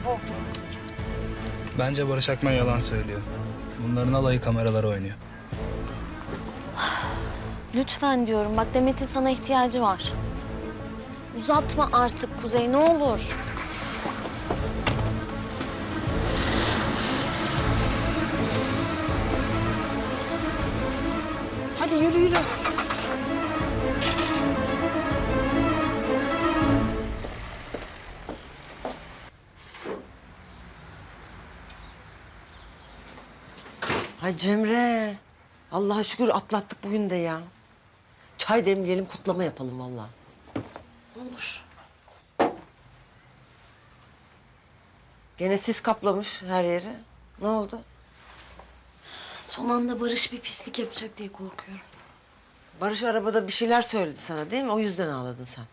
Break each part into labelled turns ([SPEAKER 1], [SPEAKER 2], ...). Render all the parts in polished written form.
[SPEAKER 1] bu.
[SPEAKER 2] Bence Barış Akman yalan söylüyor. Bunların alayı kameralara oynuyor.
[SPEAKER 1] Lütfen diyorum. Bak Demet'in sana ihtiyacı var. Uzatma artık Kuzey ne olur. Hadi yürü yürü.
[SPEAKER 3] Ay Cemre. Allah'a şükür atlattık bugün de ya. Çay demleyelim, kutlama yapalım vallahi.
[SPEAKER 1] Olur.
[SPEAKER 3] Gene sis kaplamış her yeri. Ne oldu?
[SPEAKER 1] Son anda Barış bir pislik yapacak diye korkuyorum.
[SPEAKER 3] Barış arabada bir şeyler söyledi sana değil mi? O yüzden ağladın sen.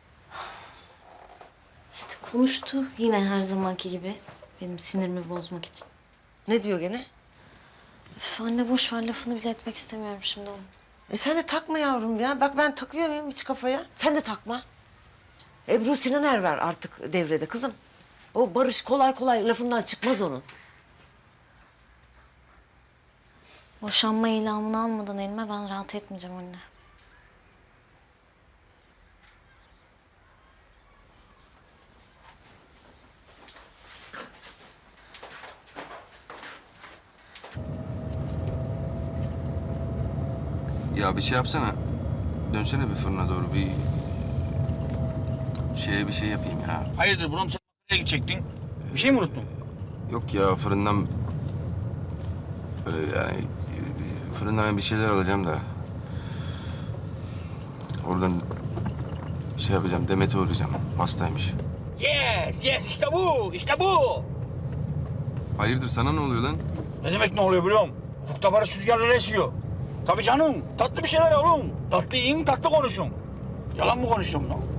[SPEAKER 1] İşte konuştu yine her zamanki gibi. Benim sinirimi bozmak için.
[SPEAKER 3] Ne diyor gene?
[SPEAKER 1] Üf, anne boş ver lafını bile etmek istemiyorum şimdi onu.
[SPEAKER 3] Sen de takma yavrum ya. Bak ben takıyor muyum hiç kafaya? Sen de takma. Ebru Sinaner var artık devrede kızım. O Barış kolay kolay lafından çıkmaz onun.
[SPEAKER 1] Boşanma ilamını almadan elime ben rahat etmeyeceğim anne.
[SPEAKER 4] Ya bir şey yapsana. Dönsene bir fırına doğru bir şey yapayım ya.
[SPEAKER 5] Hayırdır buram sen nereye gidecektin? Bir şey mi unuttun?
[SPEAKER 4] Yok ya fırından böyle yani fırından bir şeyler alacağım da. Oradan şey yapacağım, Demet'e uğrayacağım. Hastaymış.
[SPEAKER 5] Yes işte bu işte bu.
[SPEAKER 4] Hayırdır sana ne oluyor lan?
[SPEAKER 5] Ne demek ne oluyor biliyor musun? Ufukta barış rüzgarları esiyor. Tabii canım tatlı bir şeyler oğlum. Tatlı yiyin tatlı konuşun. Yalan mı konuşuyorum lan?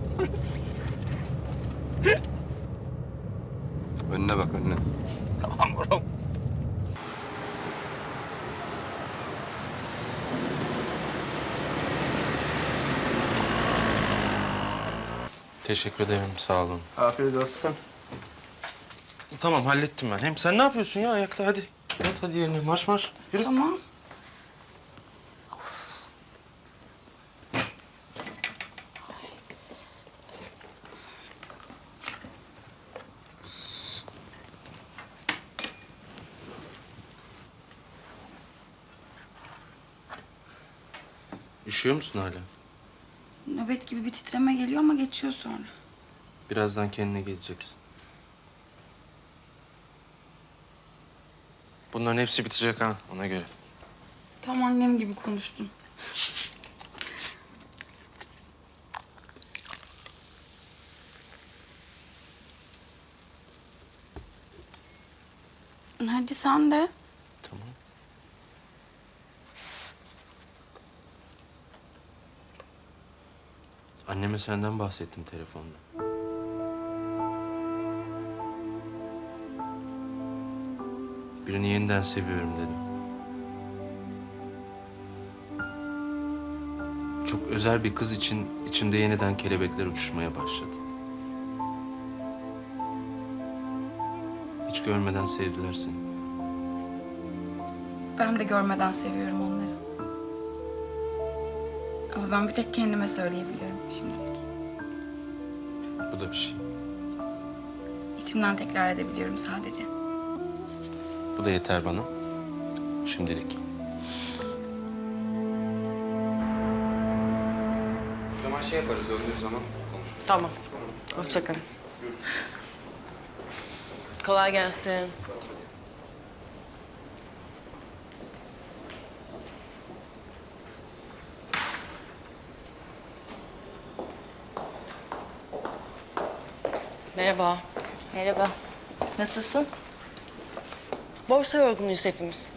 [SPEAKER 4] Önüne bak önüne.
[SPEAKER 5] Tamam oğlum.
[SPEAKER 6] Teşekkür ederim, sağ olun.
[SPEAKER 2] Afiyet olsun.
[SPEAKER 6] Tamam, hallettim ben. Hem sen ne yapıyorsun ya ayakta? Hadi. Hadi yerine. Marş marş. Yürü.
[SPEAKER 7] Tamam.
[SPEAKER 6] Üşüyor musun hala?
[SPEAKER 7] Nöbet gibi bir titreme geliyor ama geçiyor sonra.
[SPEAKER 6] Birazdan kendine geleceksin. Bunların hepsi bitecek ha, ona göre.
[SPEAKER 7] Tam annem gibi konuştun. Hadi sen de.
[SPEAKER 6] Tamam. Anneme senden bahsettim telefonda. Birini yeniden seviyorum dedim. Çok özel bir kız için içimde yeniden kelebekler uçuşmaya başladı. Hiç görmeden sevdiler seni.
[SPEAKER 7] Ben de görmeden seviyorum onları. Ama ben bir tek kendime söyleyebiliyorum şimdilik.
[SPEAKER 6] Bu da bir şey.
[SPEAKER 7] İçimden tekrar edebiliyorum sadece.
[SPEAKER 6] Bu da yeter bana. Şimdilik.
[SPEAKER 8] O zaman şey yaparız, döndüğü zaman konuşuruz.
[SPEAKER 3] Tamam. Hoşça kalın. Kolay gelsin.
[SPEAKER 9] Merhaba.
[SPEAKER 1] Merhaba. Nasılsın?
[SPEAKER 9] Borsa yorgunuyuz hepimiz.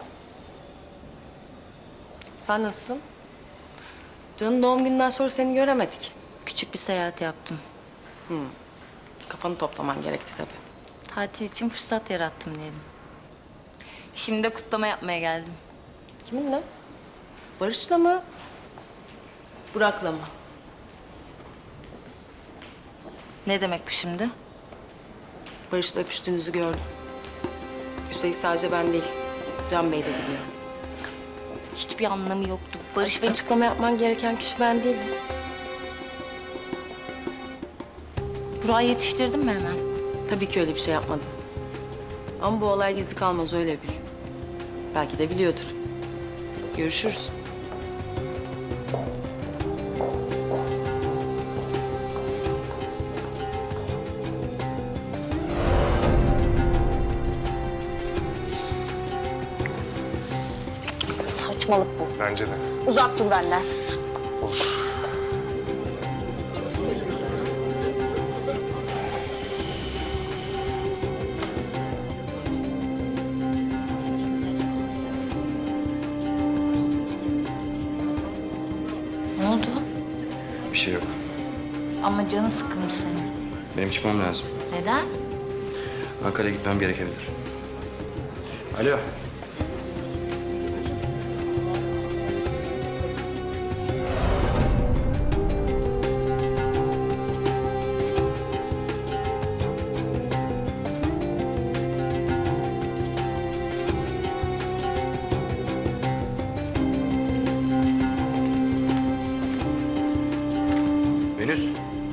[SPEAKER 9] Sen nasılsın? Can'ın doğum gününden sonra seni göremedik.
[SPEAKER 1] Küçük bir seyahat yaptım.
[SPEAKER 9] Kafanı toplaman gerekti tabii.
[SPEAKER 1] Tatil için fırsat yarattım diyelim. Şimdi de kutlama yapmaya geldim.
[SPEAKER 9] Kiminle? Barış'la mı? Burak'la mı?
[SPEAKER 1] Ne demek bu şimdi?
[SPEAKER 9] Barış'la öpüştüğünüzü gördüm. Üstelik sadece ben değil, Can Bey de biliyor.
[SPEAKER 1] Hiçbir anlamı yoktu. Barış Bey
[SPEAKER 9] Açıklama yapman gereken kişi ben değildim.
[SPEAKER 1] Burak'ı yetiştirdin mi hemen?
[SPEAKER 9] Tabii ki öyle bir şey yapmadım. Ama bu olay gizli kalmaz, öyle bil. Belki de biliyordur. Görüşürüz.
[SPEAKER 1] Saçmalık bu.
[SPEAKER 10] Bence de.
[SPEAKER 1] Uzak dur benden.
[SPEAKER 10] Olur.
[SPEAKER 1] Ne oldu?
[SPEAKER 4] Bir şey yok.
[SPEAKER 1] Ama canı sıkılmış senin.
[SPEAKER 4] Benim çıkmam lazım.
[SPEAKER 1] Neden?
[SPEAKER 4] Ankara'ya gitmem gerekebilir. Alo. Venüs.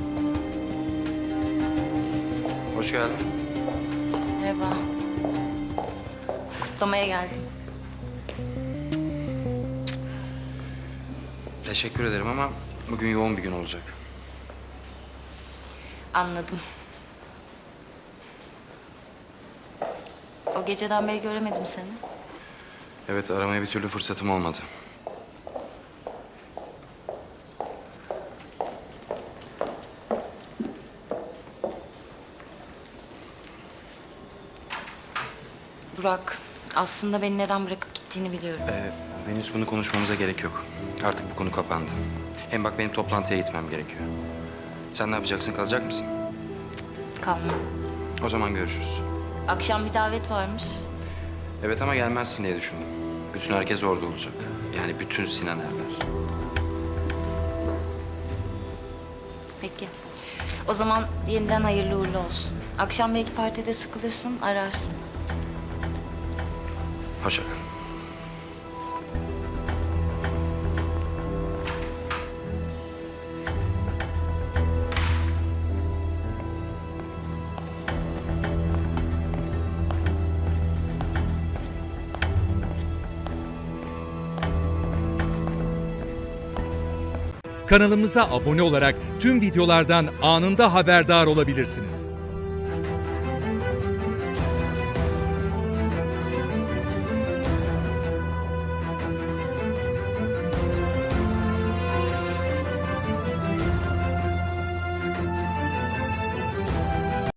[SPEAKER 4] Hoş geldin.
[SPEAKER 1] Merhaba. Kutlamaya geldim.
[SPEAKER 4] Teşekkür ederim ama bugün yoğun bir gün olacak.
[SPEAKER 1] Anladım. O geceden beri göremedim seni.
[SPEAKER 4] Evet, aramaya bir türlü fırsatım olmadı.
[SPEAKER 1] Burak, aslında beni neden bırakıp gittiğini biliyorum.
[SPEAKER 4] Venüs, bunu konuşmamıza gerek yok. Artık bu konu kapandı. Hem bak, benim toplantıya gitmem gerekiyor. Sen ne yapacaksın, kalacak mısın?
[SPEAKER 1] Kalma.
[SPEAKER 4] O zaman görüşürüz.
[SPEAKER 1] Akşam bir davet varmış.
[SPEAKER 4] Evet ama gelmezsin diye düşündüm. Bütün herkes orada olacak. Yani bütün Sinan Erler.
[SPEAKER 1] Peki. O zaman yeniden hayırlı uğurlu olsun. Akşam belki partide sıkılırsın, ararsın.
[SPEAKER 4] Hoşça kal.
[SPEAKER 11] Kanalımıza abone olarak tüm videolardan anında haberdar olabilirsiniz.